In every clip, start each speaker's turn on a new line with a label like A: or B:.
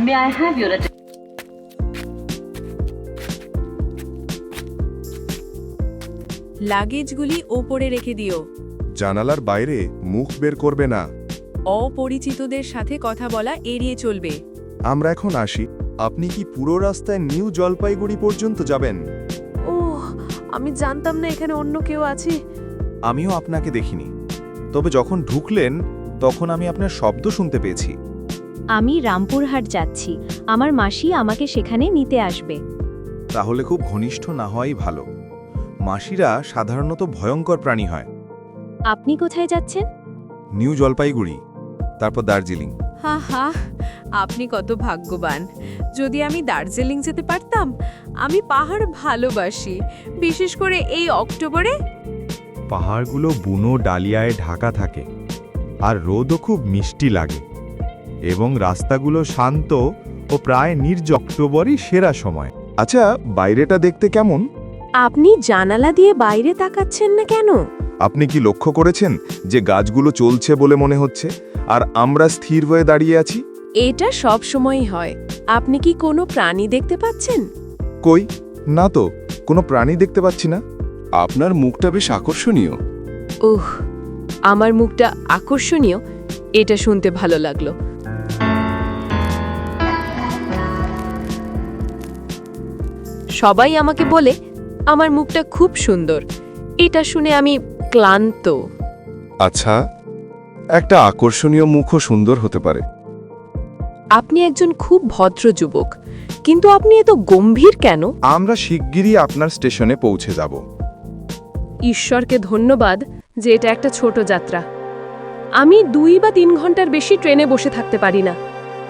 A: May I have your attention?
B: লাগেজগুলি ওপরে রেখে দিও।
C: জানালার বাইরে মুখ বের করবে না।
B: অপরিচিতদের সাথে কথা বলা এড়িয়ে চলবে।
C: আমরা এখন আসি। আপনি কি পুরো রাস্তায় নিউ জলপাইগুড়ি পর্যন্ত যাবেন?
B: ওহ, আমি জানতাম না এখানে অন্য কেউ আছে।
C: আমিও আপনাকে দেখিনি, তবে যখন ঢুকলেন তখন আমি আপনার শব্দ শুনতে পেয়েছি।
D: আমি রামপুরহাট যাচ্ছি, আমার মাসি আমাকে সেখানে নিতে আসবে।
C: তাহলে খুব ঘনিষ্ঠ না হওয়াই ভালো। মাসিরা সাধারণত ভয়ঙ্কর প্রাণী হয়।
D: আপনি কোথায় যাচ্ছেন?
C: নিউ জলপাইগুড়ি, তারপর দার্জিলিং।
B: হা হা, আপনি কত ভাগ্যবান। যদি আমি দার্জিলিং যেতে পারতাম। আমি পাহাড় ভালোবাসি, বিশেষ করে এই অক্টোবরে।
C: পাহাড়গুলো বুনো ডালিয়ায় ঢাকা থাকে, আর রোদও খুব মিষ্টি লাগে, এবং রাস্তাগুলো শান্ত ও প্রায় নির্জন। অক্টোবরই সেরা সময়। আচ্ছা, বাইরেটা দেখতে কেমন?
B: আপনি জানালা দিয়ে বাইরে তাকাচ্ছেন না কেন?
C: আপনি কি লক্ষ্য করেছেন যে গাছগুলো চলছে বলে মনে হচ্ছে, আর আমরা স্থির হয়ে দাঁড়িয়ে আছি?
B: এটা সব সময়ই হয়। আপনি কি কোনো প্রাণী দেখতে পাচ্ছেন?
C: কই, না তো, কোনো প্রাণী দেখতে পাচ্ছি না। আপনার মুখটা বেশ আকর্ষণীয়।
B: উহ, আমার মুখটা আকর্ষণীয়, এটা শুনতে ভালো লাগলো। সবাই আমাকে বলে আমার মুখটা খুব সুন্দর। এটা শুনে আমি ক্লান্ত।
C: আচ্ছা, একটা আকর্ষণীয় মুখও সুন্দর হতে পারে।
B: আপনি একজন খুব ভদ্র যুবক, কিন্তু আপনি এত গম্ভীর কেন?
C: আমরা শিগগিরই আপনার স্টেশনে পৌঁছে যাব।
B: ঈশ্বরকে ধন্যবাদ যে এটা একটা ছোট যাত্রা। আমি 2 বা 3 ঘন্টার বেশি ট্রেনে বসে থাকতে পারি না।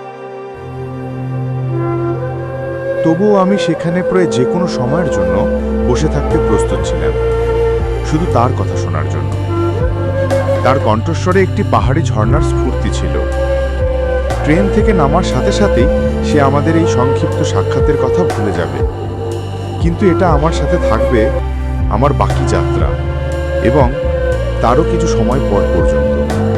C: তবুও আমি সেখানে প্রায় যে কোনো সময়ের জন্য বসে থাকতে প্রস্তুত ছিলাম, শুধু তার কথা শোনার জন্য। তার কণ্ঠস্বরে একটি পাহাড়ি ঝর্ণার স্ফূর্তি ছিল। ট্রেন থেকে নামার সাথে সাথেই সে আমাদের এই সংক্ষিপ্ত সাক্ষাতের কথা ভুলে যাবে, কিন্তু এটা আমার সাথে থাকবে আমার বাকি যাত্রা এবং তারও কিছু সময় পর পর্যন্ত।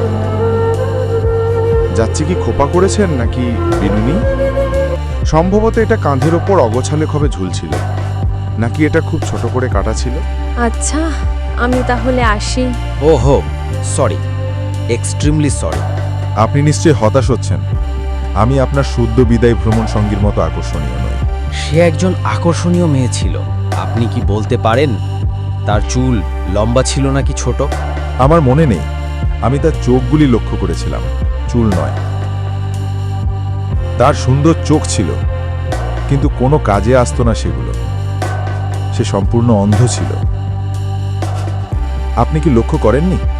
C: যাচ্ছে কি খোপা করেছেন নাকি বিনুনি? সম্ভবত এটা কাঁধের ওপর অগোছালে খবে ঝুলছিল, নাকি এটা খুব ছোট করে কাটা ছিল।
B: আচ্ছা, আমি তাহলে আসি।
E: ওহো, সরি, এক্সট্রিমলি সরি।
C: আপনি নিশ্চয়ই হতাশ হচ্ছেন। আমি আপনার শুদ্ধ বিদায় ভ্রমণ সঙ্গীর মতো আকর্ষণীয় নই।
E: সে একজন আকর্ষণীয় মেয়ে ছিল। আপনি কি বলতে পারেন তার চুল লম্বা ছিল নাকি ছোট?
C: আমার মনে নেই, আমি তার চোখগুলি লক্ষ্য করেছিলাম, চুল নয়। তার সুন্দর চোখ ছিল, কিন্তু কোনো কাজে আসতো না সেগুলো। সে সম্পূর্ণ অন্ধ ছিল। আপনি কি লক্ষ্য করেননি?